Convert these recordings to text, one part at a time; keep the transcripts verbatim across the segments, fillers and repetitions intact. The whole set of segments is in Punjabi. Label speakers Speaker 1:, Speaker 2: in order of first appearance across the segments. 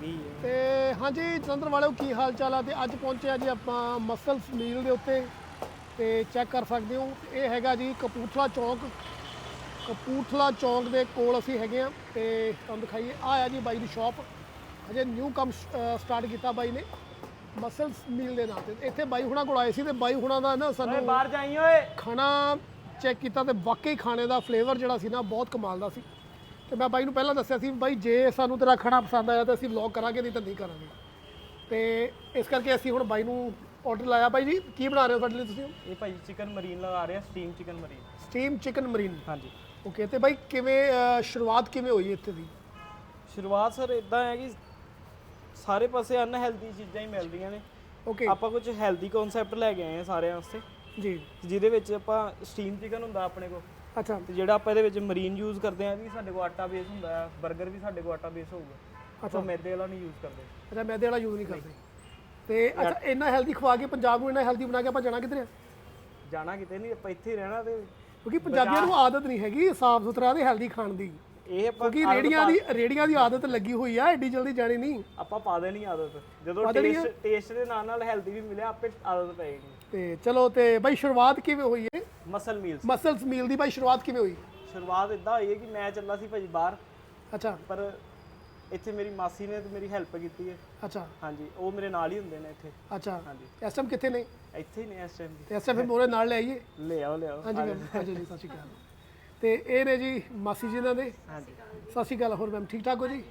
Speaker 1: ਗਈ ਹੈ।
Speaker 2: ਤੇ ਹਾਂਜੀ ਜਲੰਧਰ ਵਾਲਿਓ ਕੀ ਹਾਲ ਚਾਲ ਆ। ਤੇ ਅੱਜ ਪਹੁੰਚੇ ਆ ਜੀ ਆਪਾਂ ਮਸਲਸ ਮੀਲ ਦੇ ਉੱਤੇ ਤੇ ਚੈੱਕ ਕਰ ਸਕਦੇ ਹੋ ਇਹ ਹੈਗਾ ਜੀ ਕਪੂਰਥਲਾ ਚੌਂਕ। ਕਪੂਰਥਲਾ ਚੌਂਕ ਦੇ ਕੋਲ ਅਸੀਂ ਹੈਗੇ ਆ ਤੇ ਤੁਹਾਨੂੰ ਦਿਖਾਈਏ ਆ ਆ ਜੀ ਬਾਈ ਦੀ ਸ਼ਾਪ। ਹਜੇ ਨਿਊ ਕੰਮ ਸਟਾਰਟ ਕੀਤਾ ਬਾਈ ਨੇ ਮਸਲਸ ਮੀਲ ਦੇ ਨਾਂ ਤੇ। ਇੱਥੇ ਬਾਈ ਹੁਣਾਂ ਕੋਲ ਆਏ ਸੀ ਤੇ ਬਾਈ ਹੁਣਾਂ ਦਾ ਨਾ ਸਾਨੂੰ
Speaker 1: ਬਾਹਰ ਜਾਈ ਓਏ
Speaker 2: ਖਾਣਾ ਚੈੱਕ ਕੀਤਾ ਤੇ ਵਾਕਈ ਖਾਣੇ ਦਾ ਫਲੇਵਰ ਜਿਹੜਾ ਸੀ ਨਾ ਬਹੁਤ ਕਮਾਲ ਦਾ ਸੀ। ਤੇ ਮੈਂ ਬਾਈ ਨੂੰ ਪਹਿਲਾਂ ਦੱਸਿਆ ਸੀ ਬਾਈ ਜੇ ਸਾਨੂੰ ਤੇਰਾ ਖਾਣਾ ਪਸੰਦ ਆਇਆ ਤਾਂ ਅਸੀਂ ਵਲੌਗ ਕਰਾਂਗੇ ਨਹੀਂ ਤਾਂ ਨਹੀਂ ਕਰਾਂਗੇ। ਤੇ ਇਸ ਕਰਕੇ ਅਸੀਂ ਹੁਣ ਬਾਈ ਨੂੰ ਆਰਡਰ ਲਾਇਆ। ਬਾਈ ਜੀ ਕੀ ਬਣਾ ਰਹੇ ਹੋ ਸਾਡੇ ਲਈ ਤੁਸੀਂ?
Speaker 1: ਇਹ ਭਾਈ ਚਿਕਨ ਮਰੀਨ ਲਗਾ ਰਹੇ ਆ, ਸਟੀਮ ਚਿਕਨ ਮਰੀਨ।
Speaker 2: ਸਟੀਮ ਚਿਕਨ ਮਰੀਨ,
Speaker 1: ਹਾਂਜੀ।
Speaker 2: ਓਕੇ। ਤੇ ਬਾਈ ਕਿਵੇਂ ਅਹ, ਸ਼ੁਰੂਆਤ ਕਿਵੇਂ ਹੋਈ ਇੱਥੇ ਦੀ?
Speaker 1: ਸ਼ੁਰੂਆਤ ਸਰ ਇਦਾਂ ਹੈ ਕਿ ਸਾਰੇ ਪਾਸੇ ਅਨਹੈਲਦੀ ਚੀਜ਼ਾਂ ਹੀ ਮਿਲਦੀਆਂ ਨੇ।
Speaker 2: ਓਕੇ
Speaker 1: ਆਪਾਂ ਕੁਝ ਹੈਲਦੀ ਕਨਸੈਪਟ ਲੈ ਕੇ ਆਏ ਆ ਸਾਰਿਆਂ ਵਾਸਤੇ,
Speaker 2: ਜੀ।
Speaker 1: ਜਿਹਦੇ ਵਿੱਚ ਆਪਾਂ ਸਟੀਮ ਚਿਕਨ ਹੁੰਦਾ ਆਪਣੇ ਕੋਲ,
Speaker 2: ਅੱਛਾ
Speaker 1: ਤੇ ਜਿਹੜਾ ਆਪਾਂ ਇਹਦੇ ਵਿੱਚ ਮਰੀਨ ਯੂਜ਼ ਕਰਦੇ ਆ ਵੀ ਸਾਡੇ ਕੋਲ ਆਟਾ ਬੇਸ ਹੁੰਦਾ ਹੈ। 버ਗਰ ਵੀ ਸਾਡੇ ਕੋਲ ਆਟਾ ਬੇਸ ਹੋਊਗਾ। ਆਪਾਂ ਮੈਦੇ ਵਾਲਾ ਨਹੀਂ ਯੂਜ਼ ਕਰਦੇ।
Speaker 2: ਅੱਛਾ ਮੈਦੇ ਵਾਲਾ ਯੂਜ਼ ਨਹੀਂ ਕਰਦੇ। ਤੇ ਅੱਛਾ ਇੰਨਾ ਹੈਲਦੀ ਖਵਾ ਕੇ ਪੰਜਾਬ ਨੂੰ ਇੰਨਾ ਹੈਲਦੀ ਬਣਾ ਕੇ ਆਪਾਂ ਜਾਣਾ ਕਿੱਧਰ ਆ?
Speaker 1: ਜਾਣਾ ਕਿਤੇ ਨਹੀਂ, ਆਪਾਂ ਇੱਥੇ ਹੀ ਰਹਿਣਾ। ਤੇ
Speaker 2: ਕਿਉਂਕਿ ਪੰਜਾਬੀਆਂ ਨੂੰ ਆਦਤ ਨਹੀਂ ਹੈਗੀ ਸਾਫ਼ ਸੁਥਰਾ ਤੇ ਹੈਲਦੀ ਖਾਣ ਦੀ।
Speaker 1: ਇਹ ਆਪਾਂ
Speaker 2: ਕਿਉਂਕਿ ਰੇੜੀਆਂ ਦੀ ਰੇੜੀਆਂ ਦੀ ਆਦਤ ਲੱਗੀ ਹੋਈ ਆ, ਐਡੀ ਜਲਦੀ ਜਾਣੀ ਨਹੀਂ।
Speaker 1: ਆਪਾਂ ਪਾ ਦੇਣੀ ਆਦਤ, ਜਦੋਂ ਟੇਸਟ ਟੇਸਟ ਦੇ ਨਾਲ ਨਾਲ ਹੈਲਦੀ ਵੀ ਮਿਲਿਆ ਆਪੇ ਆਦਤ ਪਏਗੀ।
Speaker 2: ਤੇ ਚਲੋ ਤੇ ਬਾਈ ਸ਼ੁਰੂਆਤ ਕਿਵੇਂ ਹੋਈ ਹੈ
Speaker 1: ਮਸਲ ਮੀਲਸ
Speaker 2: ਮਸਲਸ ਮੀਲ ਦੀ? ਬਾਈ ਸ਼ੁਰੂਆਤ ਕਿਵੇਂ ਹੋਈ?
Speaker 1: ਸ਼ੁਰੂਆਤ ਇਦਾਂ ਹੋਈ ਹੈ ਕਿ ਮੈਂ ਚੱਲਾ ਸੀ ਭਾਜੀ ਬਾਹਰ,
Speaker 2: ਅੱਛਾ
Speaker 1: ਪਰ ਇੱਥੇ ਮੇਰੀ ਮਾਸੀ ਨੇ ਤੇ ਮੇਰੀ ਹੈਲਪ ਕੀਤੀ ਹੈ।
Speaker 2: ਅੱਛਾ
Speaker 1: ਹਾਂਜੀ, ਉਹ ਮੇਰੇ ਨਾਲ ਹੀ ਹੁੰਦੇ ਨੇ ਇੱਥੇ।
Speaker 2: ਅੱਛਾ
Speaker 1: ਹਾਂਜੀ,
Speaker 2: ਇਸ ਟਾਈਮ ਕਿੱਥੇ ਨੇ?
Speaker 1: ਇੱਥੇ ਹੀ ਨੇ ਇਸ ਟਾਈਮ।
Speaker 2: ਤੇ ਇਸ ਟਾਈਮ ਫਿਰ ਮੋਰੇ ਨਾਲ ਲੈ ਆਈਏ?
Speaker 1: ਲੈ ਆਓ ਲੈ ਆਓ।
Speaker 2: ਹਾਂਜੀ ਮੈਮ, ਹਾਂਜੀ ਜੀ, ਸਤਿ ਸ਼੍ਰੀ ਅਕਾਲ। ਤੇ ਇਹ ਨੇ ਜੀ ਮਾਸੀ ਜੀ ਇਹਨਾਂ ਦੇ।
Speaker 1: ਹਾਂਜੀ
Speaker 2: ਸਤਿ ਸ਼੍ਰੀ ਅਕਾਲ। ਹੋਰ ਮੈਮ ਠੀਕ ਠਾਕ ਹੋ ਜੀ?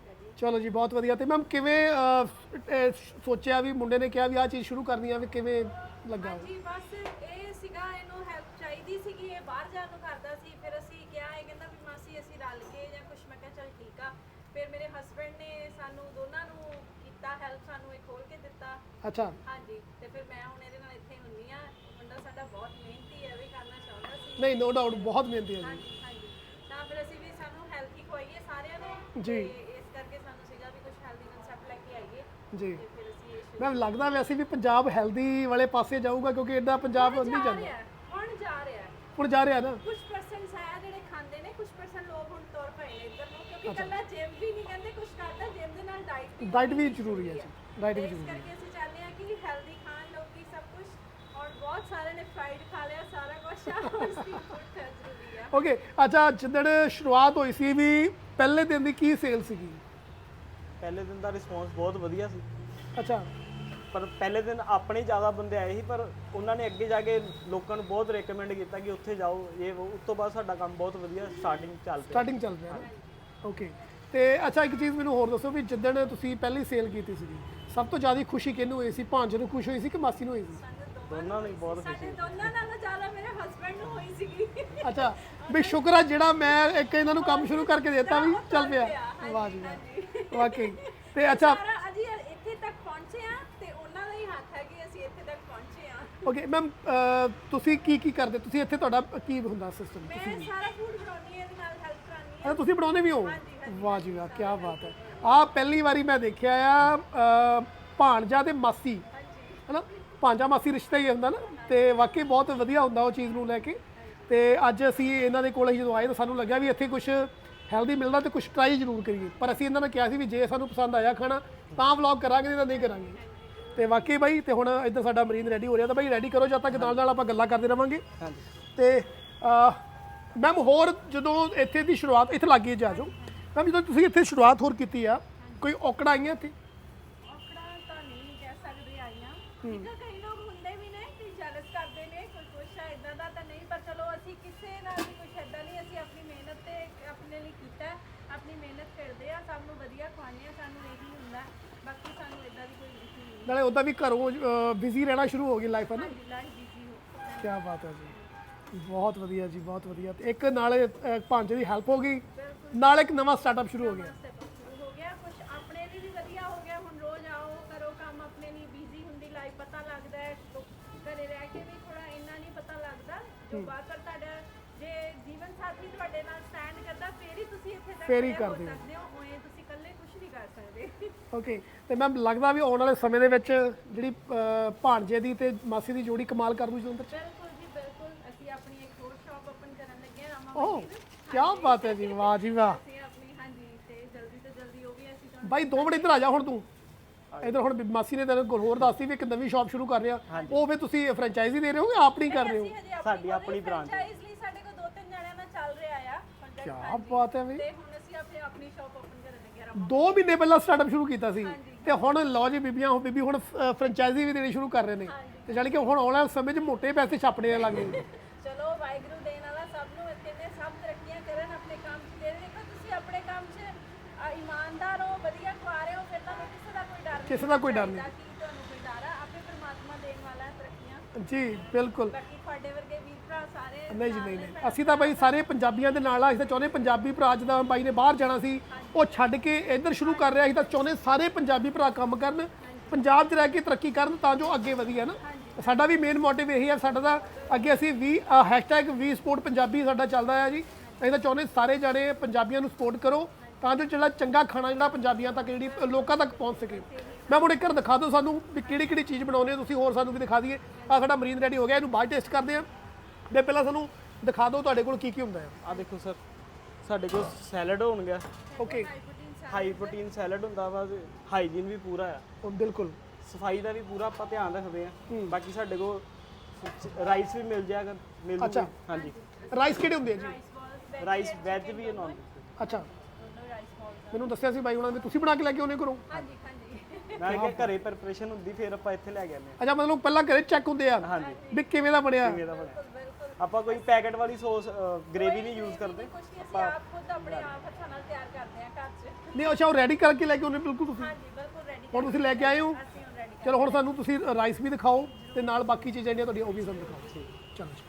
Speaker 2: ਚਲੋ ਜੀ ਬਹੁਤ ਵਧੀਆ। ਤੇ ਮੈਮ ਕਿਵੇਂ ਅਹ, ਇਹ ਸੋਚਿਆ ਵੀ ਮੁੰਡੇ ਨੇ ਕਿਹਾ ਵੀ ਆਹ ਚੀਜ਼ ਸ਼ੁਰੂ ਕਰਨੀ ਆ, ਵੀ ਕਿਵੇਂ ਲੱਗਾ?
Speaker 3: ਜੀ ਬਸ ਇਹ ਸੀਗਾ, ਇਹਨੂੰ ਹੈਲਪ ਚਾਹੀਦੀ ਸੀਗੀ, ਇਹ ਬਾਹਰ ਜਾਣ ਨੂੰ ਕਰਦਾ ਸੀ। ਫਿਰ ਅਸੀਂ ਕਿਹਾ, ਇਹ ਕਹਿੰਦਾ ਵੀ ਮਾਸੀ ਅਸੀਂ ਰਲ ਕੇ ਜਾਂ ਕੁਛ। ਮੈਂ ਕਿਹਾ ਚਲ ਠੀਕ ਆ। ਫਿਰ ਮੇਰੇ ਹਸਬੰਡ ਨੇ ਸਾਨੂੰ ਦੋਨਾਂ ਨੂੰ ਕੀਤਾ ਹੈਲਪ, ਸਾਨੂੰ ਇਹ ਖੋਲ ਕੇ ਦਿੱਤਾ।
Speaker 2: ਅੱਛਾ
Speaker 3: ਹਾਂਜੀ, ਤੇ ਫਿਰ ਮੈਂ ਹੁਣ ਇਹਦੇ ਨਾਲ ਇੱਥੇ ਹੁੰਨੀ ਆ। ਮੁੰਡਾ ਸਾਡਾ ਬਹੁਤ ਮਿਹਨਤੀ ਹੈ, ਵੀ ਕਰਨਾ ਚਾਹੁੰਦਾ ਸੀ।
Speaker 2: ਨਹੀਂ ਨੋ ਡਾਊਟ ਬਹੁਤ ਮਿਹਨਤੀ ਹੈ ਜੀ।
Speaker 3: ਹਾਂਜੀ ਹਾਂਜੀ, ਤਾਂ ਫਿਰ ਅਸੀਂ ਵੀ ਸਾਨੂੰ ਹੈਲਥ ਹੀ ਖਵਾਈਏ ਸਾਰਿਆਂ ਨੂੰ
Speaker 2: ਜੀ।
Speaker 3: ਤੇ ਇਸ ਕਰਕੇ ਸਾਨੂੰ ਸੀਗਾ ਵੀ ਕੁਝ ਹੈਲਦੀ ਕਨਸੈਪਟ ਲੈ ਕੇ ਆਈਏ।
Speaker 2: ਜੀ
Speaker 3: ਤੇ ਫਿਰ ਅਸੀਂ ਇਹ ਸ਼ੁਰੂ
Speaker 2: ਮੈਮ ਲੱਗਦਾ ਵੈਸੇ ਵੀ ਪੰਜਾਬ ਹੈਲਦੀ ਵਾਲੇ ਪਾਸੇ ਜਾਊਗਾ, ਕਿਉਂਕਿ ਐਡਾ ਪੰਜਾਬ ਨਹੀਂ
Speaker 3: ਜਾ
Speaker 2: ਜਾਂਦਾ।
Speaker 3: ਰਿਹਾ ਹੈ, ਹੁਣ ਜਾ ਰਿਹਾ ਹੈ।
Speaker 2: ਹੁਣ ਜਾ ਰਿਹਾ ਨਾ।
Speaker 3: ਕੁਝ ਪਰਸੈਂਟਸ ਹੈ ਜਿਹੜੇ ਖਾਂਦੇ ਨੇ, ਕੁਝ ਪਰਸੈਂਟ ਲੋਕ ਹੁਣ ਤੁਰ ਪਏ ਨੇ ਇੱਧਰ ਨੂੰ, ਕਿਉਂਕਿ ਕੱਲਾ ਜਿਮ ਵੀ ਨਹੀਂ ਕਹਿੰਦੇ ਕੁਝ ਕਰਦਾ, ਜਿਮ ਦੇ ਨਾਲ ਡਾਈਟ ਵੀ
Speaker 2: ਡਾਈਟ ਵੀ ਜ਼ਰੂਰੀ ਹੈ ਜੀ, ਡਾਈਟ ਵੀ
Speaker 3: ਇਸ
Speaker 2: ਜ਼ਰੂਰੀ ਹੈ।
Speaker 3: ਕਰਕੇ ਅਸੀਂ ਚਾਹੁੰਦੇ ਹਾਂ ਕਿ ਹੈਲਦੀ ਖਾਣ ਲੋਕੀ ਸਭ ਕੁਝ। ਔਰ ਬਹੁਤ ਸਾਰਿਆਂ ਨੇ ਫਰਾਈਡ ਖਾ ਲਿਆ ਸਾਰਾ ਕੁਝ ਆ, ਔਰ ਸਟ੍ਰੀਟ ਫੂਡ ਜ਼ਰੂਰੀ ਆ।
Speaker 2: ਓਕੇ ਅੱਛਾ, ਜਿੱਦਣ ਸ਼ੁਰੂਆਤ ਹੋਈ ਸੀ ਵੀ ਪਹਿਲੇ ਦਿਨ ਦੀ ਕੀ ਸੇਲ ਸੀਗੀ?
Speaker 1: ਪਹਿਲੇ ਦਿਨ ਦਾ ਰਿਸਪੌਂਸ ਬਹੁਤ ਵਧੀਆ ਸੀ,
Speaker 2: ਅੱਛਾ
Speaker 1: ਪਰ ਪਹਿਲੇ ਦਿਨ ਆਪਣੇ ਜ਼ਿਆਦਾ ਬੰਦੇ ਆਏ ਸੀ, ਪਰ ਉਹਨਾਂ ਨੇ ਅੱਗੇ ਜਾ ਕੇ ਲੋਕਾਂ ਨੂੰ ਬਹੁਤ ਰეკਮੈਂਡ ਕੀਤਾ ਕਿ ਉੱਥੇ ਜਾਓ ਇਹ ਉਹ। ਉਸ ਤੋਂ ਬਾਅਦ ਸਾਡਾ ਕੰਮ ਬਹੁਤ ਵਧੀਆ ਸਟਾਰਟਿੰਗ ਚੱਲ ਪਿਆ।
Speaker 2: ਸਟਾਰਟਿੰਗ ਚੱਲ ਰਿਹਾ ਨਾ। ਓਕੇ ਤੇ ਅੱਛਾ ਇੱਕ ਚੀਜ਼ ਮੈਨੂੰ ਹੋਰ ਦੱਸੋ ਵੀ ਜਿੱਦਣ ਤੁਸੀਂ ਪਹਿਲੀ ਸੇਲ ਕੀਤੀ ਸੀਗੀ ਸਭ ਤੋਂ ਜ਼ਿਆਦਾ ਖੁਸ਼ੀ ਕਿਹਨੂੰ ਹੋਈ ਸੀ? ਭਾਂਜੇ ਨੂੰ ਖੁਸ਼ ਹੋਈ ਸੀ ਕਿ ਮਾਸੀ ਨੂੰ ਹੋਈ ਸੀ?
Speaker 1: ਦੋਨਾਂ ਨੂੰ ਹੀ ਬਹੁਤ ਖੁਸ਼ੀ
Speaker 3: ਸਾਡੇ ਦੋਨਾਂ ਨਾਲੋਂ ਜ਼ਿਆਦਾ ਮੇਰੇ ਹਸਬੰਡ ਨੂੰ ਹੋਈ ਸੀਗੀ।
Speaker 2: ਅੱਛਾ ਵੀ ਸ਼ੁਕਰ ਆ ਜਿਹੜਾ ਮੈਂ ਇੱਕ ਇਹਨਾਂ ਨੂੰ ਕੰਮ ਸ਼ੁਰੂ ਕਰਕੇ ਦਿੱਤਾ ਵੀ ਚੱਲ ਪਿਆ। ਵਾਹ ਜੀ ਵਾਹ, ਵਾਕਈ। ਤੇ ਅੱਛਾ
Speaker 3: ਸਾਰਾ ਅਜੀ ਇੱਥੇ ਤੱਕ ਪਹੁੰਚੇ ਆ ਤੇ ਉਹਨਾਂ ਦਾ ਹੀ ਹੱਥ ਹੈ ਕਿ ਅਸੀਂ ਇੱਥੇ ਤੱਕ ਪਹੁੰਚੇ ਆ।
Speaker 2: ਓਕੇ ਮੈਮ ਤੁਸੀਂ ਕੀ ਕੀ ਕਰਦੇ? ਤੁਸੀਂ ਇੱਥੇ ਤੁਹਾਡਾ ਕੀ ਹੁੰਦਾ ਸਿਸਟਮ?
Speaker 3: ਮੈਂ ਸਾਰਾ ਫੂਡ ਬਣਾਉਣੀ ਹੈ, ਇਹਦੇ ਨਾਲ ਹੈਲਪ ਕਰਾਉਣੀ ਹੈ।
Speaker 2: ਅੱਛਾ ਤੁਸੀਂ ਬਣਾਉਂਦੇ ਵੀ ਹੋ? ਵਾਹ ਜੀ ਵਾਹ, ਕੀ ਬਾਤ ਹੈ। ਆਹ ਪਹਿਲੀ ਵਾਰੀ ਮੈਂ ਦੇਖਿਆ ਆ ਅਹ, ਭਾਣਜਾ ਤੇ ਮਾਸੀ ਹੈਨਾ, ਭਾਂਜਾ ਮਾਸੀ ਰਿਸ਼ਤਾ ਹੀ ਹੁੰਦਾ ਨਾ। ਤੇ ਵਾਕਈ ਬਹੁਤ ਵਧੀਆ ਹੁੰਦਾ ਉਹ ਚੀਜ਼ ਨੂੰ ਲੈ ਕੇ। ਤੇ ਅੱਜ ਅਸੀਂ ਇਹਨਾਂ ਦੇ ਕੋਲ ਜਦੋਂ ਆਏ ਤਾਂ ਸਾਨੂੰ ਲੱਗਿਆ ਵੀ ਇੱਥੇ ਕੁਝ ਹੈਲਦੀ ਮਿਲਦਾ ਤੇ ਕੁਝ ਟਰਾਈ ਜ਼ਰੂਰ ਕਰੀਏ। ਪਰ ਅਸੀਂ ਇਹਨਾਂ ਨੇ ਕਿਹਾ ਸੀ ਵੀ ਜੇ ਸਾਨੂੰ ਪਸੰਦ ਆਇਆ ਖਾਣਾ ਤਾਂ ਵਲੌਗ ਕਰਾਂਗੇ, ਨਹੀਂ ਤਾਂ ਨਹੀਂ ਕਰਾਂਗੇ। ਤੇ ਵਾਕਈ ਬਾਈ, ਤੇ ਹੁਣ ਇੱਧਰ ਸਾਡਾ ਮਰੀਨ ਰੈਡੀ ਹੋ ਰਿਹਾ ਤਾਂ ਬਾਈ ਰੈਡੀ ਕਰੋ, ਜਦ ਤੱਕ ਨਾਲ ਨਾਲ ਆਪਾਂ ਗੱਲਾਂ ਕਰਦੇ ਰਵਾਂਗੇ।
Speaker 1: ਹਾਂਜੀ।
Speaker 2: ਤੇ ਮੈਮ ਹੋਰ ਜਦੋਂ ਇੱਥੇ ਦੀ ਸ਼ੁਰੂਆਤ ਇੱਥੇ ਲੱਗੀ ਜਾ ਜਾਓ ਮੈਮ, ਜਦੋਂ ਤੁਸੀਂ ਇੱਥੇ ਸ਼ੁਰੂਆਤ ਹੋਰ ਕੀਤੀ ਆ ਕੋਈ ਔਕੜਾਂ ਆਈਆਂ ਇੱਥੇ?
Speaker 3: ਔਕੜਾਂ ਤਾਂ ਨਹੀਂ ਕਹਿ ਸਕਦੇ ਆਈਆਂ, ਠੀਕ ਆ। ਕਈ ਲੋਕ ਹੁੰਦੇ ਵੀ ਨੇ ਕਿ ਜੈਲਸ ਕਰਦੇ ਨੇ, ਕੋਈ ਕੁਛ ਹੈ ਇਦਾਂ ਦਾ ਤਾਂ ਨਹੀਂ। ਪਰ ਚਲੋ ਅਸੀਂ ਕਿਸੇ ਨਾਲ ਵੀ ਕੁਛ ਇਦਾਂ ਨਹੀਂ, ਅਸੀਂ ਆਪਣੀ ਮਿਹਨਤ ਤੇ ਆਪਣੇ ਲਈ ਕੀਤਾ, ਆਪਣੀ ਮਿਹਨਤ ਕਰਦੇ ਆ, ਸਭ ਨੂੰ ਵਧੀਆ ਖਵਾਉਂਦੇ ਆ, ਸਾਨੂੰ ਇਹੀ ਹੁੰਦਾ। ਬਾਕੀ ਸਾਨੂੰ ਇਦਾਂ ਦੀ ਕੋਈ ਇਸ਼ੂ ਨਹੀਂ।
Speaker 2: ਨਾਲੇ ਉੱਦਾਂ ਵੀ ਘਰੋਂ ਬਿਜ਼ੀ ਰਹਿਣਾ ਸ਼ੁਰੂ ਹੋ ਗਈ ਲਾਈਫ ਹੈ ਨਾ।
Speaker 3: ਲਾਈਫ ਬਿਜ਼ੀ ਹੋ।
Speaker 2: ਕੀ ਬਾਤ ਹੈ ਜੀ, ਬਹੁਤ ਵਧੀਆ ਜੀ, ਬਹੁਤ ਵਧੀਆ। ਤੇ ਇੱਕ ਨਾਲੇ ਅਹ, ਭਾਂਜੇ ਦੀ ਹੈਲਪ ਹੋ ਗਈ, ਨਾਲ ਇੱਕ ਨਵਾਂ ਸਟਾਰਟਅਪ ਸ਼ੁਰੂ ਹੋ ਗਿਆ।
Speaker 3: ਸ਼ੁਰੂ ਹੋ ਗਿਆ ਕੁਛ ਆਪਣੇ ਲਈ ਵੀ ਵਧੀਆ ਹੋ ਗਿਆ। ਹੁਣ ਰੋਜ਼ ਆਓ ਕਰੋ ਕੰਮ, ਆਪਣੇ ਲਈ ਬਿਜ਼ੀ ਹੁੰਦੀ ਲਾਈਫ ਪਤਾ ਲੱਗਦਾ ਹੈ। ਘਰੇ ਰਹਿ ਕੇ ਵੀ ਥੋੜਾ ਇੰਨਾ ਨਹੀਂ ਪਤਾ ਲੱਗਦਾ ਜੋ ਬਾਹਰ। ਪਰ ਤੁਹਾਡਾ ਜੇ ਜੀਵਨ ਸਾਥੀ ਤੁਹਾਡੇ ਨਾਲ ਸਟੈਂਡ ਕਰਦਾ ਫੇਰ ਹੀ ਤੁਸੀਂ ਇੱਥੇ ਤੱਕ
Speaker 2: ਫੇਰ ਹੀ
Speaker 3: ਖੜੇ ਹੋ
Speaker 2: ਕਰਦੇ ਹੋ।
Speaker 3: ਸਕਦੇ ਹੋ। ਉਵੇਂ ਤੁਸੀਂ ਇਕੱਲੇ ਕੁਝ ਨਹੀਂ ਕਰ ਸਕਦੇ।
Speaker 2: ਓਕੇ ਤੇ ਮੈਮ ਲੱਗਦਾ ਵੀ ਆਉਣ ਵਾਲੇ ਸਮੇਂ ਦੇ ਵਿੱਚ ਜਿਹੜੀ ਅਹ, ਭਾਣਜੇ ਦੀ ਤੇ ਮਾਸੀ ਦੀ ਜੋੜੀ ਕਮਾਲ ਕਰ ਦੂ ਜਲੰਧਰ ਚ।
Speaker 3: ਬਿਲਕੁਲ ਜੀ ਬਿਲਕੁਲ। ਅਸੀਂ ਆਪਣੀ ਇੱਕ ਹੋਰ ਸ਼ਾਪ ਓਪਨ ਕਰਨ ਲੱਗੇ ਹਾਂ ਰਾਮਾ
Speaker 2: ਓਹ
Speaker 3: ਮੰਡੀ ਵਿੱਚ।
Speaker 2: ਕੀ ਬਾਤ ਹੈ ਜੀ, ਵਾਹ ਜੀ ਵਾਹ।
Speaker 3: ਅਸੀਂ ਆਪਣੀ ਹਾਂਜੀ, ਤੇ ਜਲਦੀ ਤੋਂ ਜਲਦੀ ਉਹ ਵੀ ਅਸੀਂ
Speaker 2: ਬਾਈ ਦੋ ਮਿੰਟ ਇੱਧਰ ਆ ਜਾ ਹੁਣ ਤੂੰ ਇੱਧਰ ਹੁਣ ਮਾਸੀ ਨੇ ਤੈਨੂੰ ਕੋਲ ਹੋਰ ਦੱਸਤੀ ਵੀ ਇੱਕ ਨਵੀਂ ਸ਼ਾਪ ਸ਼ੁਰੂ ਕਰ ਰਿਹਾ ਉਹ ਵੀ ਤੁਸੀਂ ਫਰੈਂਚਾਈਜ਼ੀ ਦੇ ਰਹੇ ਹੋ ਕਿ ਆਪ ਨਹੀਂ ਕਰ ਰਹੇ ਹੋ
Speaker 1: ਸਾਡੀ ਆਪਣੀ ਬ੍ਰਾਂਚ ਹੈ
Speaker 3: ਇਸ ਲਈ ਸਾਡੇ ਕੋਲ ਦੋ ਤਿੰਨ ਜਣਿਆਂ ਨਾਲ ਚੱਲ ਰਿਹਾ ਆ
Speaker 2: ਕੀ ਬਾਤ ਹੈ ਬਈ
Speaker 3: ਤੇ ਹੁਣ ਅਸੀਂ ਆਪਣੀ ਆਪਣੀ ਸ਼ਾਪ ਓਪਨ ਕਰਨ ਲੱਗੇ ਆ
Speaker 2: ਦੋ ਮਹੀਨੇ ਪਹਿਲਾਂ ਸਟਾਰਟਅਪ ਸ਼ੁਰੂ ਕੀਤਾ ਸੀ ਤੇ ਹੁਣ ਲਓ ਜੀ ਬੀਬੀਆਂ ਹੁਣ ਬੀਬੀ ਹੁਣ ਫਰੈਂਚਾਈਜ਼ੀ ਵੀ ਦੇਣੀ ਸ਼ੁਰੂ ਕਰ ਰਹੇ ਨੇ ਤੇ ਜਾਣੀ ਕਿ ਹੁਣ ਆਉਣ ਵਾਲੇ ਸਮੇਂ 'ਚ ਮੋਟੇ ਪੈਸੇ ਛਾਪਣੇ ਲੱਗੇ
Speaker 3: ਚਲੋ ਵਾਹਿਗੁਰੂ ਦੇਣ ਵਾਲਾ ਸਭ ਨੂੰ ਕਹਿੰਦੇ ਸਭ ਤਰੱਕੀਆਂ ਕਰਨ ਆਪਣੇ ਕੰਮ 'ਚ ਦੇ ਦੇਖੋ ਤੁਸੀਂ ਆਪਣੇ ਕੰਮ 'ਚ ਅ, ਇਮਾਨਦਾਰ ਹੋ ਵਧੀਆ ਖਵਾ ਰਹੇ ਹੋ ਫਿਰ ਤੁਹਾਨੂੰ ਕਿਸੇ ਦਾ ਕੋਈ ਡਰ ਨਹੀਂ
Speaker 2: ਕਿਸੇ ਦਾ ਕੋਈ ਡਰ ਨਹੀਂ
Speaker 3: ਕਿ ਤੁਹਾਨੂੰ ਕੋਈ ਡਰ ਆ ਆਪੇ ਪ੍ਰਮਾਤਮਾ ਦੇਣ ਵਾਲਾ ਹੈ ਤਰੱਕੀਆਂ
Speaker 2: ਜੀ ਬਿਲਕੁਲ
Speaker 3: ਬਾਕੀ ਤੁਹਾਡੇ ਵਰਗੇ ਵੀਰ ਭਰਾ ਸਾਰੇ
Speaker 2: ਨਹੀਂ ਜੀ ਨਹੀਂ ਨਹੀਂ ਅਸੀਂ ਤਾਂ ਬਾਈ ਸਾਰੇ ਪੰਜਾਬੀਆਂ ਦੇ ਨਾਲ ਆ ਅਸੀਂ ਤਾਂ ਚਾਹੁੰਦੇ ਪੰਜਾਬੀ ਭਰਾ ਜਿੱਦਾਂ ਬਾਈ ਨੇ ਬਾਹਰ ਜਾਣਾ ਸੀ ਉਹ ਛੱਡ ਕੇ ਇੱਧਰ ਸ਼ੁਰੂ ਕਰ ਰਿਹਾ ਅਸੀਂ ਤਾਂ ਚਾਹੁੰਦੇ ਸਾਰੇ ਪੰਜਾਬੀ ਭਰਾ ਕੰਮ ਕਰਨ ਪੰਜਾਬ 'ਚ ਰਹਿ ਕੇ ਤਰੱਕੀ ਕਰਨ ਤਾਂ ਜੋ ਅੱਗੇ ਵਧੀਆ ਨਾ ਸਾਡਾ ਵੀ ਮੇਨ ਮੋਟਿਵ ਇਹੀ ਹੈ ਸਾਡਾ ਤਾਂ ਅੱਗੇ ਅਸੀਂ ਵੀ ਹੈਸ਼ਟੈਗ ਵੀ ਸਪੋਰਟ ਪੰਜਾਬੀ ਸਾਡਾ ਚੱਲਦਾ ਹੈ ਜੀ ਅਸੀਂ ਤਾਂ ਚਾਹੁੰਦੇ ਸਾਰੇ ਜਾਣੇ ਪੰਜਾਬੀਆਂ ਨੂੰ ਸਪੋਰਟ ਕਰੋ ਤਾਂ ਜੋ ਜਿਹੜਾ ਚੰਗਾ ਖਾਣਾ ਜਿਹੜਾ ਪੰਜਾਬੀਆਂ ਤੱਕ ਜਿਹੜੀ ਲੋਕਾਂ ਤੱਕ ਪਹੁੰਚ ਸਕੇ ਮੈਂ ਹੁਣ ਇੱਕ ਵਾਰ ਦਿਖਾ ਦਿਓ ਸਾਨੂੰ ਵੀ ਕਿਹੜੀ ਕਿਹੜੀ ਚੀਜ਼ ਬਣਾਉਂਦੇ ਹੋ ਤੁਸੀਂ ਹੋਰ ਸਾਨੂੰ ਵੀ ਦਿਖਾ ਦਈਏ ਆ ਸਾਡਾ ਮਰੀਨ ਰੈਡੀ ਹੋ ਗਿਆ ਇਹਨੂੰ ਬਾਅਦ ਟੇਸਟ ਕਰਦੇ ਆ ਤੇ ਪਹਿਲਾਂ ਸਾਨੂੰ ਦਿਖਾ ਦਿਓ ਤੁਹਾਡੇ ਕੋਲ ਕੀ ਕੀ ਹੁੰਦਾ ਹੈ
Speaker 1: ਆ ਦੇਖੋ ਸਰ ਸਾਡੇ ਕੋਲ ਸੈਲਡ ਹੋਣਗਾ
Speaker 2: ਓਕੇ
Speaker 1: ਹਾਈ ਪ੍ਰੋਟੀਨ ਸੈਲਡ ਹੁੰਦਾ ਵਾ ਹਾਈਜੀਨ ਵੀ ਪੂਰਾ ਆ
Speaker 2: ਬਿਲਕੁਲ
Speaker 1: ਸਫਾਈ ਦਾ ਵੀ ਪੂਰਾ ਆਪਾਂ ਧਿਆਨ ਰੱਖਦੇ ਆ ਬਾਕੀ ਸਾਡੇ ਕੋਲ ਰਾਈਸ ਵੀ ਮਿਲ ਜਾਏਗਾ ਮਿਲ
Speaker 2: ਅੱਛਾ।
Speaker 1: ਜੂਗਾ ਹਾਂਜੀ
Speaker 2: ਰਾਈਸ ਕਿਹੜੇ ਹੁੰਦੇ ਆ ਜੀ
Speaker 1: ਰਾਈਸ ਵੈਜ ਵੀ ਹੈ ਨਾਨ
Speaker 2: ਅੱਛਾ ਮੈਨੂੰ ਦੱਸਿਆ ਸੀ ਬਾਈ ਉਹਨਾਂ ਨੇ ਤੁਸੀਂ ਬਣਾ ਕੇ ਲੈ ਕੇ ਆਉਨੇ ਘਰੋਂ
Speaker 3: ਹਾਂਜੀ ਹਾਂਜੀ
Speaker 1: ਮੈਂ ਕਿਹਾ ਘਰੇ ਪ੍ਰਿਪਰੇਸ਼ਨ ਹੁੰਦੀ ਫਿਰ ਆਪਾਂ ਇੱਥੇ ਲੈ ਕੇ ਆਉਂਦੇ
Speaker 2: ਅੱਛਾ ਮਤਲਬ ਪਹਿਲਾਂ ਘਰੇ ਚੈੱਕ ਹੁੰਦੇ ਆ
Speaker 1: ਹਾਂਜੀ
Speaker 2: ਵੀ ਕਿਵੇਂ ਦਾ ਬਣਿਆ
Speaker 1: ਕਿਵੇਂ ਦਾ ਬਣਿਆ ਆਪਾਂ ਕੋਈ ਪੈਕੇਟ ਵਾਲੀ ਸੌਸ ਗ੍ਰੇਵੀ ਨਹੀਂ ਯੂਜ਼ ਕਰਦੇ
Speaker 3: ਕੁਝ ਨਹੀਂ ਅਸੀਂ ਆਪ ਖੁਦ ਆਪਣੇ ਆਪ ਹੱਥਾਂ ਨਾਲ ਤਿਆਰ ਕਰਦੇ ਆ ਘਰ 'ਚ
Speaker 2: ਨਹੀਂ ਅੱਛਾ ਉਹ ਰੈਡੀ ਕਰਕੇ ਲੈ ਕੇ ਆਉਨੇ ਬਿਲਕੁਲ ਤੁਸੀਂ
Speaker 3: ਹਾਂਜੀ ਬਿਲਕੁਲ ਰੈਡੀ
Speaker 2: ਹੁਣ ਤੁਸੀਂ ਲੈ ਕੇ ਆਏ ਹੋ
Speaker 3: ਅਸੀਂ ਹੁਣ ਰੈਡੀ
Speaker 2: ਚਲੋ ਹੁਣ ਸਾਨੂੰ ਤੁਸੀਂ ਰਾਈਸ ਵੀ ਦਿਖਾਓ ਤੇ ਨਾਲ ਬਾਕੀ ਚੀਜ਼ਾਂ ਜਿਹੜੀਆਂ ਤੁਹਾਡੀਆਂ ਉਹ ਵੀ ਸਾਨੂੰ ਦਿਖਾਓ ਚਲੋ ਜੀ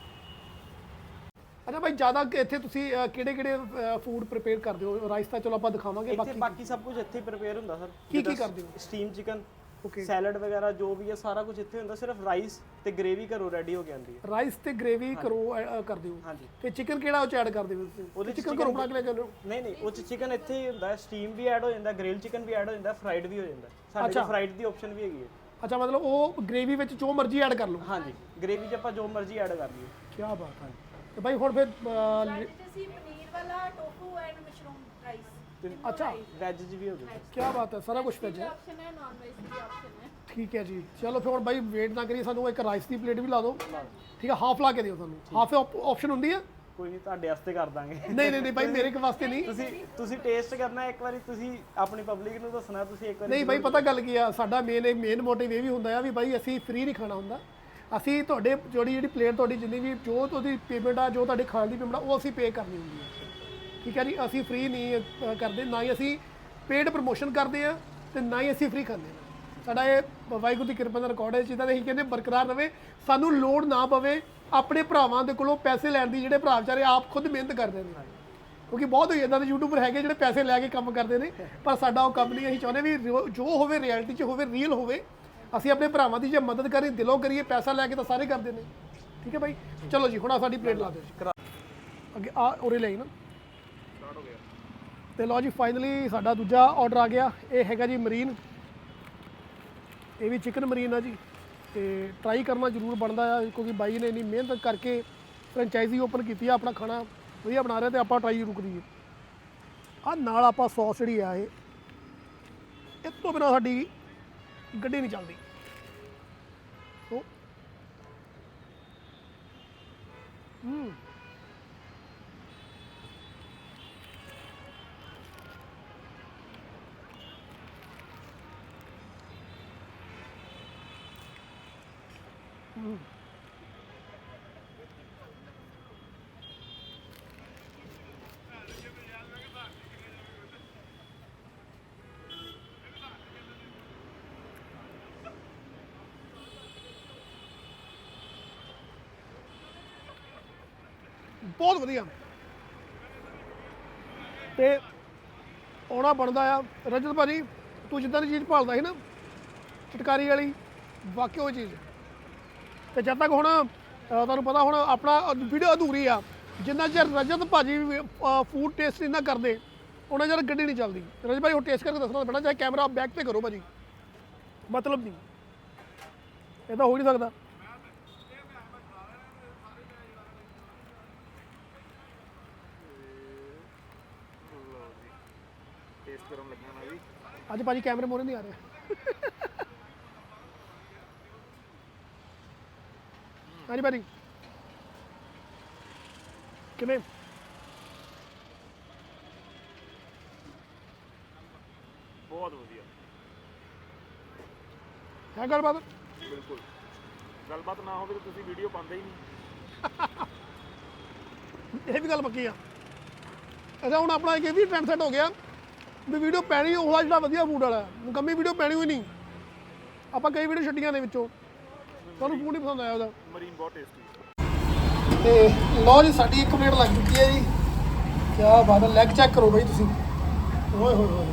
Speaker 2: ਅੱਛਾ ਭਾਈ ਜ਼ਿਆਦਾ ਕਿ ਇੱਥੇ ਤੁਸੀਂ ਕਿਹੜੇ ਕਿਹੜੇ ਫੂਡ ਪ੍ਰਿਪੇਅਰ ਕਰਦੇ ਹੋ ਰਾਈਸ ਤਾਂ ਚਲੋ ਆਪਾਂ ਦਿਖਾਵਾਂਗੇ
Speaker 1: ਇੱਥੇ
Speaker 2: ਬਾਕੀ
Speaker 1: ਬਾਕੀ ਸਭ ਕੁਝ ਇੱਥੇ ਹੀ ਪ੍ਰਿਪੇਅਰ ਹੁੰਦਾ ਸਰ
Speaker 2: ਕੀ ਕੀ ਕਰਦੇ ਹੋ
Speaker 1: ਸਟੀਮ ਚਿਕਨ
Speaker 2: ਓਕੇ
Speaker 1: ਸੈਲਡ ਵਗੈਰਾ ਜੋ ਵੀ ਹੈ ਸਾਰਾ ਕੁਝ ਇੱਥੇ ਹੁੰਦਾ ਸਿਰਫ ਰਾਈਸ ਤੇ ਗ੍ਰੇਵੀ ਘਰੋਂ ਰੈਡੀ ਹੋ ਕੇ ਆਉਂਦੀ ਹੈ
Speaker 2: ਰਾਈਸ ਤੇ ਗ੍ਰੇਵੀ ਕਰੋ ਅ, ਕਰਦੇ ਹੋ
Speaker 1: ਹਾਂਜੀ
Speaker 2: ਤੇ ਚਿਕਨ ਕਿਹੜਾ ਉਹ ਚ ਐਡ ਕਰਦੇ ਹੋ ਤੁਸੀਂ
Speaker 1: ਉਹਦੇ 'ਚ
Speaker 2: ਚਿਕਨ ਘਰੋਂ ਬਣਾ ਕੇ ਲੈ ਕੇ ਆਉਂਦੇ ਹੋ
Speaker 1: ਨਹੀਂ ਨਹੀਂ ਉਹ ਚ ਚਿਕਨ ਇੱਥੇ ਹੀ ਹੁੰਦਾ ਸਟੀਮ ਵੀ ਐਡ ਹੋ ਜਾਂਦਾ ਗ੍ਰਿਲ ਚਿਕਨ ਵੀ ਐਡ ਹੋ ਜਾਂਦਾ ਫਰਾਈਡ ਵੀ ਹੋ ਜਾਂਦਾ ਸਾਡੇ ਕੋਲ ਫਰਾਈਡ ਦੀ ਆਪਸ਼ਨ ਵੀ ਹੈਗੀ ਹੈ
Speaker 2: ਅੱਛਾ ਮਤਲਬ ਉਹ ਗ੍ਰੇਵੀ ਵਿੱਚ ਜੋ ਮਰਜ਼ੀ ਐਡ ਕਰ ਲਓ
Speaker 1: ਹਾਂਜੀ ਗ੍ਰੇਵੀ 'ਚ ਆਪਾਂ ਜੋ ਮਰਜ਼ੀ ਐਡ ਕਰ ਲਈਏ
Speaker 2: ਕੀ ਬਾਤ ਹੈ ਤੇ ਭਾਈ ਹੁਣ ਫਿਰ ਅ,
Speaker 3: ਅੱਜ ਅਸੀਂ ਪਨੀਰ ਵਾਲਾ ਟੋਫੂ ਐਂਡ ਮਸ਼ਰੂਮ ਰਾਈਸ
Speaker 2: ਅੱਛਾ
Speaker 1: ਵੈਜ 'ਚ ਵੀ ਹੋ ਜਾਂਦਾ
Speaker 2: ਕੀ ਬਾਤ ਹੈ ਸਾਰਾ ਕੁਝ ਵੈਜ ਹੈ
Speaker 3: ਆਪਸ਼ਨ ਹੈ ਨਾਨ ਵੈਜ ਦੀ ਆਪਸ਼ਨ ਹੈ
Speaker 2: ਠੀਕ ਹੈ ਜੀ ਚਲੋ ਫਿਰ ਹੁਣ ਬਾਈ ਵੇਟ ਨਾ ਕਰੀਏ ਸਾਨੂੰ ਇੱਕ ਰਾਈਸ ਦੀ ਪਲੇਟ ਵੀ ਲਾ ਦਿਓ ਠੀਕ ਹੈ ਹਾਫ ਲਾ ਕੇ ਦਿਓ ਸਾਨੂੰ ਹਾਫ ਆਪਸ਼ਨ ਹੁੰਦੀ ਹੈ
Speaker 1: ਕੋਈ ਨਹੀਂ ਤੁਹਾਡੇ ਵਾਸਤੇ ਕਰ ਦਾਂਗੇ
Speaker 2: ਨਹੀਂ ਨਹੀਂ ਨਹੀਂ ਭਾਈ ਮੇਰੇ ਕੇ ਵਾਸਤੇ ਨਹੀਂ
Speaker 1: ਤੁਸੀਂ ਤੁਸੀਂ ਟੇਸਟ ਕਰਨਾ ਇੱਕ ਵਾਰੀ ਤੁਸੀਂ ਆਪਣੀ ਪਬਲਿਕ ਨੂੰ ਦੱਸਣਾ ਤੁਸੀਂ ਇੱਕ ਵਾਰੀ
Speaker 2: ਨਹੀਂ ਬਾਈ ਪਤਾ ਗੱਲ ਕੀ ਆ ਸਾਡਾ ਮੇਨ ਮੇਨ ਮੋਟਿਵ ਇਹ ਵੀ ਹੁੰਦਾ ਆ ਵੀ ਬਾਈ ਅਸੀਂ ਫ੍ਰੀ ਨਹੀਂ ਖਾਣਾ ਹੁੰਦਾ ਅਸੀਂ ਤੁਹਾਡੇ ਜਿਹੜੀ ਜਿਹੜੀ ਪਲੇਟ ਤੁਹਾਡੀ ਜਿੰਨੀ ਵੀ ਜੋ ਤੁਹਾਡੀ ਪੇਮੈਂਟ ਆ ਜੋ ਤੁਹਾਡੇ ਖਾਣ ਦੀ ਪੇਮੈਂਟ ਆ ਉਹ ਅਸੀਂ ਪੇ ਕਰਨੀ ਹੁੰਦੀ ਹੈ ਠੀਕ ਹੈ ਜੀ ਅਸੀਂ ਫ੍ਰੀ ਨਹੀਂ ਅ, ਕਰਦੇ ਨਾ ਹੀ ਅਸੀਂ ਪੇਡ ਪ੍ਰਮੋਸ਼ਨ ਕਰਦੇ ਆ ਤੇ ਨਾ ਹੀ ਅਸੀਂ ਫ੍ਰੀ ਖਾਂਦੇ ਹਾਂ ਸਾਡਾ ਇਹ ਵਾਹਿਗੁਰੂ ਦੀ ਕਿਰਪਾ ਦਾ ਰਿਕਾਰਡ ਹੈ ਜਿੱਦਾਂ ਅਸੀਂ ਕਹਿੰਦੇ ਬਰਕਰਾਰ ਰਵੇ ਸਾਨੂੰ ਲੋੜ ਨਾ ਪਵੇ ਆਪਣੇ ਭਰਾਵਾਂ ਦੇ ਕੋਲੋਂ ਪੈਸੇ ਲੈਣ ਦੀ ਜਿਹੜੇ ਭਰਾ ਵਿਚਾਰੇ ਆਪ ਖੁਦ ਮਿਹਨਤ ਕਰਦੇ ਨੇ ਕਿਉਂਕਿ ਬਹੁਤ ਹੋਈ ਇਦਾਂ ਦੇ ਯੂਟਿਊਬਰ ਹੈਗੇ ਜਿਹੜੇ ਪੈਸੇ ਲੈ ਕੇ ਕੰਮ ਕਰਦੇ ਨੇ ਪਰ ਸਾਡਾ ਉਹ ਕੰਮ ਨਹੀਂ ਅਸੀਂ ਚਾਹੁੰਦੇ ਵੀ ਜੋ- ਜੋ ਹੋਵੇ ਰਿਐਲਿਟੀ 'ਚ ਹੋਵੇ ਰੀਅਲ ਹੋਵੇ ਅਸੀਂ ਆਪਣੇ ਭਰਾਵਾਂ ਦੀ ਜੇ ਮਦਦ ਕਰੀਏ ਦਿਲੋਂ ਕਰੀਏ ਪੈਸਾ ਲੈ ਕੇ ਤਾਂ ਸਾਰੇ ਕਰਦੇ ਨੇ ਠੀਕ ਹੈ ਭਾਈ ਚਲੋ ਜੀ ਹੁਣ ਆ ਸਾਡੀ ਪਲੇਟ ਲਾ ਦਿਓ ਜੀ ਅੱਗੇ ਆ ਉਰੇ ਲਈ ਨਾ ਤੇ ਲਓ ਜੀ ਫਾਈਨਲੀ ਸਾਡਾ ਦੂਜਾ ਆਰਡਰ ਆ ਗਿਆ ਇਹ ਹੈਗਾ ਜੀ ਮਰੀਨ ਇਹ ਵੀ ਚਿਕਨ ਮਰੀਨ ਆ ਜੀ ਤੇ ਟਰਾਈ ਕਰਨਾ ਜ਼ਰੂਰ ਬਣਦਾ ਆ ਕਿਉਂਕਿ ਬਾਈ ਨੇ ਇੰਨੀ ਮਿਹਨਤ ਕਰਕੇ ਫਰੈਂਚਾਈਜ਼ੀ ਓਪਨ ਕੀਤੀ ਆ ਆਪਣਾ ਖਾਣਾ ਵਧੀਆ ਬਣਾ ਰਿਹਾ ਤੇ ਆਪਾਂ ਟਰਾਈ ਜ਼ਰੂਰ ਕਰੀਏ ਆ ਨਾਲ ਆਪਾਂ ਸੌਸ ਜਿਹੜੀ ਆ ਇਹ ਇਸ ਤੋਂ ਬਿਨਾਂ ਸਾਡੀ ਗੱਡੀ ਨਹੀਂ ਚੱਲਦੀ ਸੋ ਹੂੰ ਬਹੁਤ ਵਧੀਆ ਤੇ ਆਉਣਾ ਬਣਦਾ ਆ ਰਜਤ ਭਾਜੀ ਤੂੰ ਜਿੱਦਾਂ ਦੀ ਚੀਜ਼ ਭਾਲਦਾ ਸੀ ਨਾ ਚਟਕਾਰੀ ਵਾਲੀ ਵਾਕਿਆ ਉਹ ਚੀਜ਼ ਤੇ ਜਦ ਤੱਕ ਹੁਣ ਅ, ਤੁਹਾਨੂੰ ਪਤਾ ਹੁਣ ਆਪਣਾ ਵੀਡੀਓ ਅਧੂਰੀ ਆ ਜਿੰਨਾ ਚਿਰ ਰਜਤ ਭਾਜੀ ਫੂਡ ਟੇਸਟ ਨਹੀਂ ਨਾ ਕਰਦੇ ਉਹਨਾਂ ਚਿਰ ਗੱਡੀ ਨਹੀਂ ਚੱਲਦੀ ਰਜਤ ਭਾਜੀ ਹੁਣ ਟੇਸਟ ਕਰਕੇ ਦੱਸਣਾ ਪੈਣਾ ਚਾਹੇ ਕੈਮਰਾ ਬੈਕ ਤੇ ਕਰੋ ਭਾਜੀ ਮਤਲਬ ਨਹੀਂ ਇਹ ਤਾਂ ਹੋ ਹੀ ਨਹੀਂ ਸਕਦਾ
Speaker 4: ਟੇਸਟ ਕਰਨ ਲੱਗਿਆ ਮੈਂ ਵੀ
Speaker 2: ਅੱਜ ਭਾਜੀ ਕੈਮਰੇ ਮੋਰੇ ਨਹੀਂ ਆ ਰਿਹਾ। ਹਾਂਜੀ ਭਾਜੀ ਕਿਵੇਂ?
Speaker 4: ਬਹੁਤ ਵਧੀਆ।
Speaker 2: ਹੈ ਗੱਲਬਾਤ?
Speaker 4: ਬਿਲਕੁਲ। ਗੱਲਬਾਤ ਨਾ ਹੋਵੇ ਤਾਂ ਤੁਸੀਂ ਵੀਡੀਓ ਪਾਉਂਦੇ ਹੀ ਨਹੀਂ।
Speaker 2: ਇਹ ਵੀ ਗੱਲ ਪੱਕੀ ਆ। ਅੱਛਾ ਹੁਣ ਆਪਣਾ ਇੱਕ ਇਹ ਵੀ ਟ੍ਰੈਂਡ ਸੈੱਟ ਹੋ ਗਿਆ ਵੀ ਵੀਡੀਓ ਪੈਣੀ ਉਹਦਾ ਜਿਹੜਾ ਵਧੀਆ ਫੂਡ ਵਾਲਾ, ਮੁਕੰਮੀ ਵੀਡੀਓ ਪੈਣੀ ਹੋਈ ਨਹੀਂ। ਆਪਾਂ ਕਈ ਵੀਡੀਓ ਛੱਡੀਆਂ ਨੇ ਵਿੱਚੋਂ, ਤੁਹਾਨੂੰ ਫੂਡ ਨਹੀਂ ਪਸੰਦ ਆਇਆ ਉਹਦਾ।
Speaker 4: ਮਰੀਨ ਬਹੁਤ ਟੇਸਟੀ।
Speaker 2: ਤੇ ਲਓ ਜੀ ਸਾਡੀ ਇੱਕ ਪਲੇਟ ਲੱਗ ਚੁੱਕੀ ਹੈ ਜੀ। ਕੀ ਬਾਤ ਹੈ, ਲੈਗ ਚੈੱਕ ਕਰੋ ਬਾਈ ਤੁਸੀਂ। ਓਏ ਹੋਏ ਹੋਏ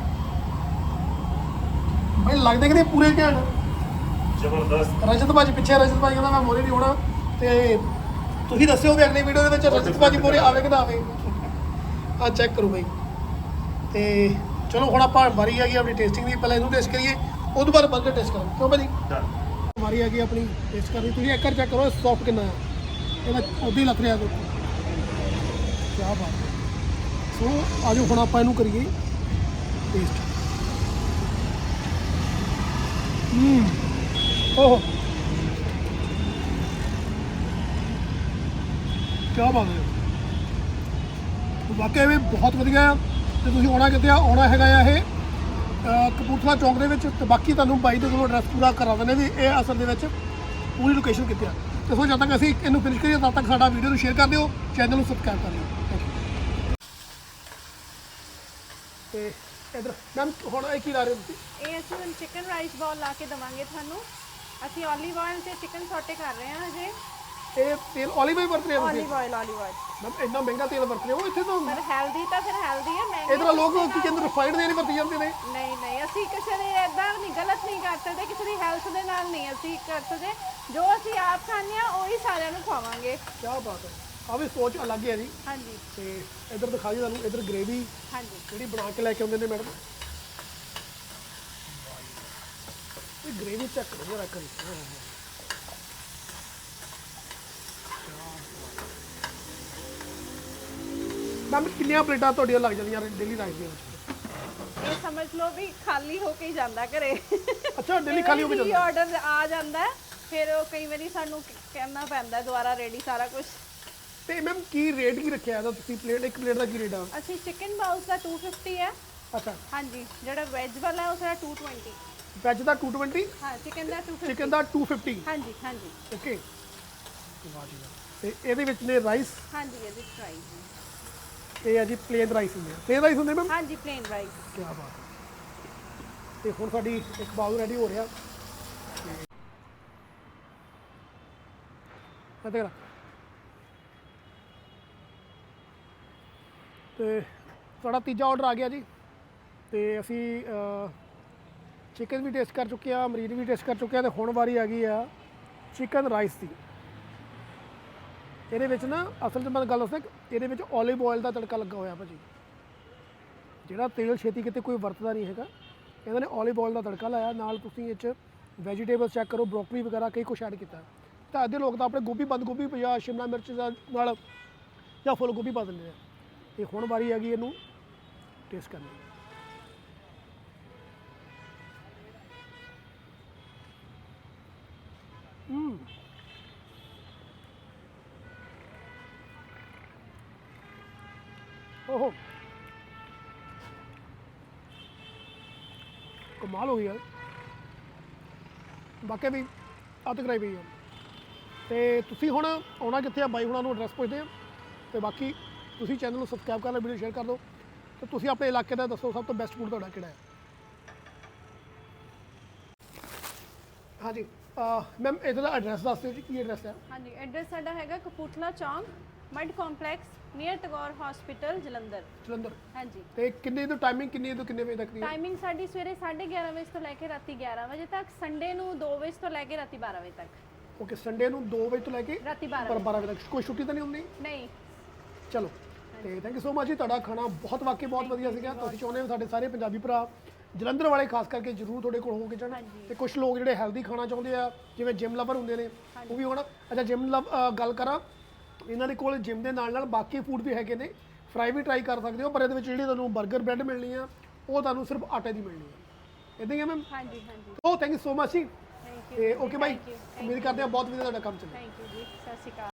Speaker 2: ਬਾਈ, ਲੱਗਦੇ ਕਿ ਪੂਰੇ ਘੈਂਟ।
Speaker 4: ਜ਼ਬਰਦਸਤ।
Speaker 2: ਰਜਤ ਭਾਜੀ ਪਿੱਛੇ, ਰਜਤ ਭਾਜੀ ਕਹਿੰਦਾ ਮੈਂ ਮੋਰੇ ਨਹੀਂ ਹੋਣਾ। ਤੇ ਤੁਸੀਂ ਦੱਸਿਓ ਵੀ ਅਗਲੀ ਵੀਡੀਓ ਦੇ ਵਿੱਚ ਰਜਤ ਭਾਜੀ ਮੋਰੇ ਆਵੇ ਕਿ ਨਾ ਆਵੇ। ਆ ਚੈੱਕ ਕਰੋ ਬਾਈ। ਤੇ ਚਲੋ ਹੁਣ ਆਪਾਂ ਵਾਰੀ ਆ ਗਈ ਆਪਣੀ ਟੇਸਟਿੰਗ ਦੀ। ਪਹਿਲਾਂ ਇਹਨੂੰ ਟੇਸਟ ਕਰੀਏ, ਉਹ ਤੋਂ ਬਾਅਦ ਬਰਗਰ ਟੇਸਟ ਕਰਾਂਗੇ। ਕਿਉਂ ਭਾਜੀ? ਵਾਰੀ ਆ ਗਈ ਆਪਣੀ ਟੇਸਟ ਕਰਨੀ। ਤੁਸੀਂ ਇੱਕ ਵਾਰ ਚੈੱਕ ਕਰੋ ਸੌਫਟ ਕਿੰਨਾ ਹੈ। ਇਹਦਾ ਉੱਦਾਂ ਹੀ ਲੱਗ ਰਿਹਾ ਦੇਖੋ। ਕੀ ਬਾਤ ਹੈ। ਸੋ ਆਜੋ ਹੁਣ ਆਪਾਂ ਇਹਨੂੰ ਕਰੀਏ ਟੇਸਟ। ਹੂੰ ਓਹ ਕੀ ਬਾਤ ਹੈ, ਵਾਕਿਆ ਇਹ ਬਹੁਤ ਵਧੀਆ। ਤੇ ਤੁਸੀਂ ਆਉਣਾ ਕਿਤੇ ਆ, ਆਉਣਾ ਹੈਗਾ ਆ ਇਹ ਅ, ਕਪੂਰਥਲਾ ਚੌਂਕ ਦੇ ਵਿੱਚ। ਤੇ ਬਾਕੀ ਤੁਹਾਨੂੰ ਬਾਈ ਦੇ ਕੋਲੋਂ ਐਡਰੈਸ ਪੂਰਾ ਕਰਾ ਦਿੰਦੇ ਵੀ ਇਹ ਅਸਲ ਦੇ ਵਿੱਚ ਪੂਰੀ ਲੋਕੇਸ਼ਨ ਕਿੱਥੇ ਆ। ਤੇ ਸੋ ਜਦ ਤੱਕ ਅਸੀਂ ਇਹਨੂੰ ਫਿਨਿਸ਼ ਕਰੀਏ ਤਦ ਤੱਕ ਸਾਡਾ ਵੀਡੀਓ ਨੂੰ ਸ਼ੇਅਰ ਕਰ ਦਿਓ, ਚੈਨਲ ਨੂੰ ਸਬਸਕ੍ਰਾਈਬ ਕਰ ਦਿਓ। Thank you. ਤੇ ਇਧਰ ਮੈਮ ਹੁਣ ਇਹ ਕੀ ਲਾ ਰਹੇ ਹੋ ਤੁਸੀਂ?
Speaker 3: ਇਹ ਅਸੀਂ ਹੁਣ ਚਿਕਨ ਰਾਈਸ ਬਾਲ ਲਾ ਕੇ ਦੇਵਾਂਗੇ ਤੁਹਾਨੂੰ। ਅਸੀਂ ਓਲੀਵ ਆਇਲ ਤੇ ਚਿਕਨ ਸੌਟੇ ਕਰ ਰਹੇ ਹਾਂ ਹਜੇ।
Speaker 2: ਇਹ ਤੇਲ ਓਲੀਵ ਆਇਲ ਵਰਤ ਰਹੇ ਹੋ ਤੁਸੀਂ?
Speaker 3: Olive oil olive oil
Speaker 2: ma'am ਇੰਨਾ ਮਹਿੰਗਾ ਤੇਲ ਵਰਤ ਰਹੇ ਹੋ ਇੱਥੇ ਤਾਂ।
Speaker 3: ਪਰ ਹੈਲਦੀ ਤਾਂ ਫਿਰ ਹੈਲਦੀ ਹੈ, ਮਹਿੰਗੀ
Speaker 2: ਇਧਰ ਲੋਕ ਕੀ ਕਹਿੰਦੇ ਰਿਫਾਈਨਡ ਤੇਲ ਹੀ ਵਰਤੀ ਜਾਂਦੇ ਨੇ।
Speaker 3: ਨਹੀਂ ਨਹੀਂ, ਅਸੀਂ ਕਿਸੇ ਦੇ ਇਦਾਂ ਨਹੀਂ, ਗਲਤ ਨਹੀਂ ਕਰ ਸਕਦੇ, ਕਿਸੇ ਦੀ ਹੈਲਥ ਦੇ ਨਾਲ ਨਹੀਂ ਅਸੀਂ ਕਰ ਸਕਦੇ। ਜੋ ਅਸੀਂ ਆਪ ਖਾਂਦੇ ਆ ਉਹੀ ਸਾਰਿਆਂ ਨੂੰ ਖਵਾਵਾਂਗੇ।
Speaker 2: ਕੀ ਬਾਤ ਹੈ, ਆ ਵੀ ਸੋਚ ਅਲੱਗ ਹੈ ਜੀ।
Speaker 3: ਹਾਂਜੀ
Speaker 2: ਤੇ ਇਧਰ ਦਿਖਾ ਜੀ ਤੁਹਾਨੂੰ, ਇਧਰ ਗ੍ਰੇਵੀ
Speaker 3: ਹਾਂਜੀ
Speaker 2: ਜਿਹੜੀ ਬਣਾ ਕੇ ਲੈ ਕੇ ਆਉਂਦੇ ਨੇ ਮੈਡਮ। ਇਹ ਗ੍ਰੇਵੀ ਚੈੱਕ ਕਰੋ ਜਰਾ ਕਰੀ। ਮੈਮ ਕਿੰਨੀਆਂ ਪਲੇਟਾਂ ਤੁਹਾਡੀਆਂ ਲੱਗ ਜਾਂਦੀਆਂ ਡੇਲੀ ਲਾਈਫ ਦੇ ਵਿੱਚ?
Speaker 3: ਇਹ ਸਮਝ ਲਓ ਵੀ ਖਾਲੀ ਹੋ ਕੇ ਹੀ ਜਾਂਦਾ ਘਰੇ।
Speaker 2: ਅੱਛਾ, ਡੇਲੀ ਖਾਲੀ ਹੋ ਕੇ ਜਾਂਦਾ?
Speaker 3: ਆਰਡਰ ਆ ਜਾਂਦਾ ਹੈ, ਫਿਰ ਉਹ ਕਈ ਵਾਰੀ ਸਾਨੂੰ ਕਹਿਣਾ ਪੈਂਦਾ ਦੁਬਾਰਾ ਰੈਡੀ ਸਾਰਾ ਕੁਝ।
Speaker 2: ਤੇ ਮੈਮ ਕੀ ਰੇਟ ਕੀ ਰੱਖਿਆ ਇਹਦਾ ਤੁਸੀਂ? ਪਲੇਟ ਇੱਕ ਪਲੇਟ ਦਾ ਕੀ ਰੇਟ ਆ?
Speaker 3: ਅਸੀਂ ਚਿਕਨ ਬਾਉਸ ਦਾ ਦੋ ਸੌ ਪਚਾਸ ਹੈ।
Speaker 2: ਅੱਛਾ,
Speaker 3: ਹਾਂਜੀ, ਜਿਹੜਾ ਵੈਜ ਵਾਲਾ ਹੈ ਉਸ ਦਾ ਦੋ ਸੌ ਵੀਹ।
Speaker 2: ਵੈਜ ਦਾ ਦੋ ਸੌ ਵੀਹ,
Speaker 3: ਹਾਂ ਚਿਕਨ ਦਾ ਦੋ ਸੌ ਪਚਾਸ।
Speaker 2: ਚਿਕਨ ਦਾ ਦੋ ਸੌ ਪਚਾਸ।
Speaker 3: ਹਾਂਜੀ ਹਾਂਜੀ
Speaker 2: ਓਕੇ, ਵਾਹ ਜੀ ਵਾਹ। ਤੇ ਇਹਦੇ ਵਿੱਚ ਨੇ ਰਾਈਸ।
Speaker 3: ਹਾਂਜੀ ਇਹਦੇ ਪ੍ਰਾਈਸ ਹੈ।
Speaker 2: ਇਹ ਆ ਜੀ ਪਲੇਨ ਰਾਈਸ ਹੁੰਦੇ ਆ। ਪਲੇਨ ਰਾਈਸ ਹੁੰਦੇ ਮੈਮ?
Speaker 3: ਹਾਂਜੀ ਪਲੇਨ ਰਾਈਸ।
Speaker 2: ਕੀ ਬਾਤ ਹੈ। ਤੇ ਹੁਣ ਸਾਡੀ ਇੱਕ ਬਾਉਲ ਰੈਡੀ ਹੋ ਰਿਹਾ। ਤੇ ਤੇਰਾ ਤੇ ਸਾਡਾ ਤੀਜਾ ਆਰਡਰ ਆ ਗਿਆ ਜੀ। ਤੇ ਅਸੀਂ ਚਿਕਨ ਵੀ ਟੇਸਟ ਕਰ ਚੁੱਕੇ ਆ, ਮਰੀਨ ਵੀ ਟੇਸਟ ਕਰ ਚੁੱਕੇ ਆ। ਤੇ ਹੁਣ ਵਾਰੀ ਆ ਗਈ ਆ ਚਿਕਨ ਰਾਈਸ ਦੀ। ਇਹਦੇ ਵਿੱਚ ਨਾ ਅਸਲ 'ਚ ਮੈਂ ਗੱਲ ਦੱਸਾਂ, ਇਹਦੇ ਵਿੱਚ ਓਲਿਵ ਆਇਲ ਦਾ ਤੜਕਾ ਲੱਗਾ ਹੋਇਆ ਭਾਜੀ। ਜਿਹੜਾ ਤੇਲ ਛੇਤੀ ਕਿਤੇ ਕੋਈ ਵਰਤਦਾ ਨਹੀਂ ਹੈਗਾ, ਇਹਨਾਂ ਨੇ ਓਲਿਵ ਆਇਲ ਦਾ ਤੜਕਾ ਲਾਇਆ। ਨਾਲ ਤੁਸੀਂ ਇਹ 'ਚ ਵੈਜੀਟੇਬਲਸ ਚੈੱਕ ਕਰੋ, ਬਰੋਕਲੀ ਵਗੈਰਾ ਕਈ ਕੁਛ ਐਡ ਕੀਤਾ। ਤਾਂ ਅੱਧੇ ਲੋਕ ਤਾਂ ਆਪਣੇ ਗੋਭੀ, ਬੰਦ ਗੋਭੀ ਜਾਂ ਸ਼ਿਮਲਾ ਮਿਰਚ ਦਾ ਨਾਲ ਜਾਂ ਫੁੱਲ ਗੋਭੀ ਪਾ ਦਿੰਦੇ ਆ। ਤੇ ਹੁਣ ਵਾਰੀ ਆ ਗਈ ਇਹਨੂੰ ਟੇਸਟ ਕਰਨੀ। ਹੂੰ ਓਹੋ, ਕਮਾਲ ਹੋ ਗਈ ਯਾਰ। ਬਾਕੀ ਵੀ ਅੱਧ ਕਰਾਈ ਪਈ ਆ। ਤੇ ਤੁਸੀਂ ਹੁਣ ਆਉਣਾ ਕਿੱਥੇ ਆ? ਬਾਈ ਹੁਣਾਂ ਨੂੰ ਐਡਰੈਸ ਪੁੱਛਦੇ ਆ। ਤੇ ਬਾਕੀ ਤੁਸੀਂ ਚੈਨਲ ਨੂੰ ਸਬਸਕ੍ਰਾਈਬ ਕਰ ਲਓ, ਵੀਡੀਓ ਸ਼ੇਅਰ ਕਰ ਦਿਓ। ਤੇ ਤੁਸੀਂ ਆਪਣੇ ਇਲਾਕੇ ਦਾ ਦੱਸੋ ਸਭ ਤੋਂ ਬੈਸਟ ਫੂਡ ਤੁਹਾਡਾ ਕਿਹੜਾ ਹੈ? ਹਾਂਜੀ ਮੈਮ ਇਹਦਾ ਦਾ ਐਡਰੈਸ ਦੱਸ ਦਿਓ ਜੀ, ਕੀ ਐਡਰੈਸ ਹੈ?
Speaker 3: ਹਾਂਜੀ ਐਡਰੈਸ ਸਾਡਾ ਹੈਗਾ ਕਪੂਰਥਲਾ ਚੌਂਕ, ਮਡ complex, near Tagore hospital, Jalandhar.
Speaker 2: Jalandhar.
Speaker 3: ਹਾਂਜੀ।
Speaker 2: ਤੇ ਕਿੰਨੇ ਤੋਂ ਟਾਈਮਿੰਗ ਕਿੰਨੀ ਤੋਂ ਕਿੰਨੇ ਵਜੇ ਤੱਕ ਦੀ ਹੈ?
Speaker 3: ਟਾਈਮਿੰਗ ਸਾਡੀ ਸਵੇਰੇ ਸਾਢੇ ਗਿਆਰਾਂ ਵਜੇ ਤੋਂ ਲੈ ਕੇ ਰਾਤੀ ਗਿਆਰਾਂ ਵਜੇ ਤੱਕ, ਸੰਡੇ ਨੂੰ ਦੋ ਵਜੇ ਤੋਂ ਲੈ ਕੇ ਰਾਤੀ ਬਾਰਾਂ ਵਜੇ ਤੱਕ।
Speaker 2: ਓਕੇ, ਸੰਡੇ ਨੂੰ ਦੋ ਵਜੇ ਤੋਂ ਲੈ ਕੇ
Speaker 3: ਰਾਤੀ ਬਾਰਾਂ
Speaker 2: ਪਰ ਬਾਰਾਂ ਵਜੇ ਤੱਕ। ਕੋਈ ਛੁੱਟੀ ਤਾਂ ਨਹੀਂ ਹੁੰਦੀ?
Speaker 3: ਨਹੀਂ।
Speaker 2: ਚਲੋ, ਤੇ ਥੈਂਕ ਯੂ ਸੋ ਮਚ ਜੀ। ਤੁਹਾਡਾ ਖਾਣਾ ਬਹੁਤ ਵਾਕਈ ਬਹੁਤ ਵਧੀਆ ਸੀਗਾ। ਤੁਸੀਂ ਚਾਹੁੰਦੇ ਹੋ ਸਾਡੇ ਸਾਰੇ ਪੰਜਾਬੀ ਭਰਾ, ਜਲੰਧਰ ਵਾਲੇ ਖਾਸ ਕਰਕੇ ਜ਼ਰੂਰ ਤੁਹਾਡੇ ਕੋਲ ਹੋ ਕੇ ਜਾਣ। ਤੇ ਕੁਝ ਲੋਕ ਜਿਹੜੇ ਹੈਲਦੀ ਖਾਣਾ ਚਾਹੁੰਦੇ ਆ, ਜਿਵੇਂ ਜਿਮ ਲਵਰ ਹੁੰਦੇ ਨੇ, ਉਹ ਵੀ ਹੋਣਾ। ਅੱਛਾ, ਜਿਮ ਲਵ ਗੱਲ ਕਰਾਂ, ਇਹਨਾਂ ਦੇ ਕੋਲ ਜਿਮ ਦੇ ਨਾਲ ਨਾਲ ਬਾਕੀ ਫੂਡ ਵੀ ਹੈਗੇ ਨੇ। ਫਰਾਈ ਵੀ ਟਰਾਈ ਕਰ ਸਕਦੇ ਹੋ, ਪਰ ਇਹਦੇ ਵਿੱਚ ਜਿਹੜੀ ਤੁਹਾਨੂੰ 버ਗਰ ਬ੍ਰੈਡ ਮਿਲਣੀ ਆ ਉਹ ਤੁਹਾਨੂੰ ਸਿਰਫ ਆਟੇ ਦੀ ਮਿਲਣੀ ਹੈ। ਇਦਾਂ ਹੀ ਹੈ ਮੈਮ?
Speaker 3: ਹਾਂਜੀ ਹਾਂਜੀ
Speaker 2: ਓ ਥੈਂਕ ਯੂ ਸੋ ਮਚ ਜੀ।
Speaker 3: ਥੈਂਕ ਯੂ
Speaker 2: ਤੇ okay bye,
Speaker 3: Thank you, thank
Speaker 2: ਉਮੀਦ ਕਰਦੇ ਹਾਂ ਬਹੁਤ ਵਧੀਆ ਤੁਹਾਡਾ ਕੰਮ ਚੱਲੇ।
Speaker 3: ਥੈਂਕ ਯੂ ਜੀ, ਸਤਿ ਸ਼੍ਰੀ ਅਕਾਲ।